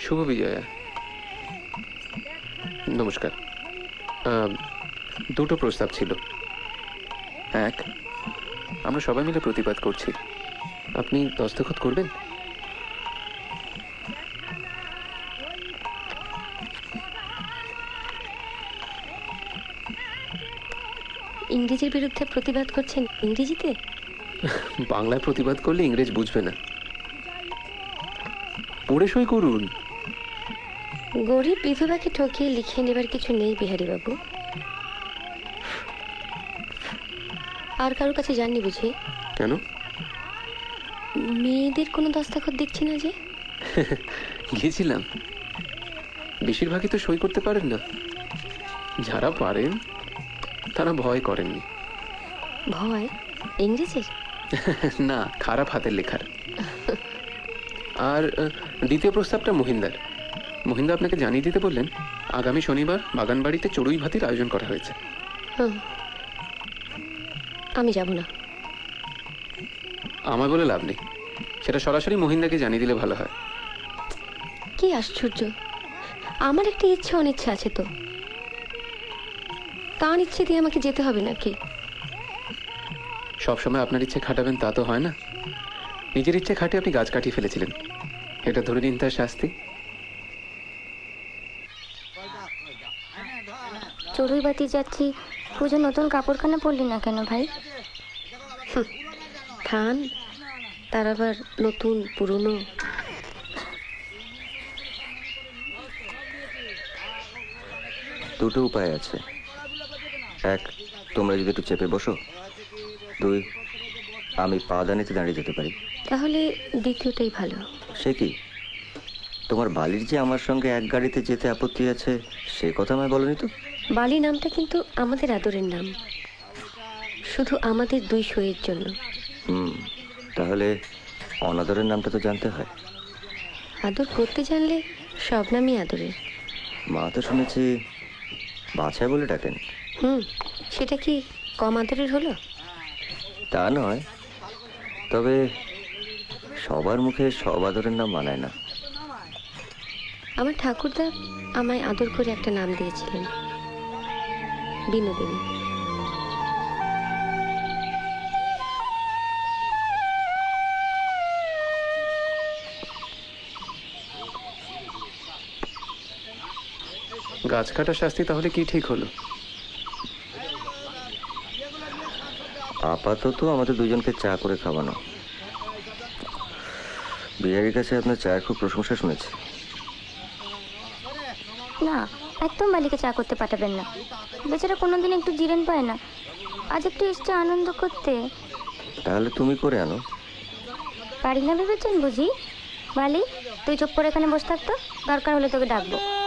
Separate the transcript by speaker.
Speaker 1: শুভ বিজয়া। নমস্কার। দুটো প্রস্তাব ছিল। এক, আমরা সবাই মিলে প্রতিবাদ করছি, আপনি দস্তখত করবেন?
Speaker 2: ইংরেজির বিরুদ্ধে প্রতিবাদ করছেন ইংরেজিতে?
Speaker 1: বাংলায় প্রতিবাদ করলে ইংরেজ বুঝবে না, পড়ে সই করুন।
Speaker 2: গরিব বিধবাকে ঠকিয়ে লিখিয়ে নেবার কিছু নেই বিহারী বাবু। আর কারোর কাছে যাননি বুঝি?
Speaker 1: কেন?
Speaker 2: মেয়েদের কোনো দস্তখত দেখছি না যে।
Speaker 1: গিয়েছিলাম, বেশিরভাগই তো সই করতে পারেন না। যারা পারেন তারা ভয় করেননি।
Speaker 2: ভয়? ইংরেজির?
Speaker 1: না, খারাপ হাতের লেখার। আর দ্বিতীয় প্রস্তাবটা মহিন্দার। মহিন্দা আপনাকে জানিয়ে দিতে বললেন আগামী শনিবার বাগানবাড়িতে চড়ুই ভাতির আয়োজন করা হয়েছে।
Speaker 2: আমি যাব না।
Speaker 1: আমায় বলে লাভ নেই, সেটা সরাসরি মহিন্দাকে জানিয়ে দিলে ভালো হয়।
Speaker 2: কি আশ্চর্য, আমার একটা ইচ্ছে অনিচ্ছা আছে তো, তার ইচ্ছে দিয়ে আমাকে যেতে হবে নাকি?
Speaker 1: সবসময় আপনার ইচ্ছে খাটাবেন তা তো হয় না। নিজের ইচ্ছে খাটে আপনি গাছ কাটিয়ে ফেলেছিলেন, এটা ধরে নিন তার শাস্তি।
Speaker 3: চড়ুই বাতি যাচ্ছি, পুজো নতুন কাপড়খানা পরলি না কেন ভাই?
Speaker 2: খান, তার আবার নতুন পুরনো।
Speaker 4: দুটো উপায় আছে। এক, তোমরা যদি একটু চেপে বসো। দুই, আমি পা দানিতে দাঁড়িয়ে যেতে পারি।
Speaker 2: তাহলে দ্বিতীয়টাই ভালো।
Speaker 4: সে কি? তোমার বালির যে আমার সঙ্গে এক গাড়িতে যেতে আপত্তি আছে সে কথা আমায় বলনি তো?
Speaker 2: বালি নামটা কিন্তু আমাদের আদরের নাম, শুধু আমাদের দুই সইয়ের জন্য।
Speaker 4: তাহলে অনাদরের নামটা তো জানতে হয়।
Speaker 2: আদর করতে জানলে সব নামই আদরের।
Speaker 4: মা তো শুনেছি বাছাই বলে ডাকেন।
Speaker 2: সেটা কি কম আদরের হলো?
Speaker 4: তা নয়, তবে সবার মুখে সব আদরের নাম মানায় না।
Speaker 2: আমার ঠাকুরদা আমায় আদর করে একটা নাম দিয়েছিলেন, বিনোদিনী।
Speaker 1: গাছ কাটার শাস্তি তাহলে কি ঠিক হলো?
Speaker 4: আপাতত আমাদের দুজনকে চা করে খাওয়ানো। বিহারীর কাছে আপনার চায়ের খুব প্রশংসা শুনেছি।
Speaker 3: না, একদম বালিকে চা করতে পাঠাবেন না, বেচারা কোনোদিন একটু জিরেন পায় না, আজ একটু এসছে আনন্দ করতে।
Speaker 4: তাহলে তুমি করে আনো।
Speaker 3: পারি না ভেবেছেন বুঝি? বালি, তুই চুপ করে এখানে বসে থাকতো, দরকার হলে তোকে ডাকবো।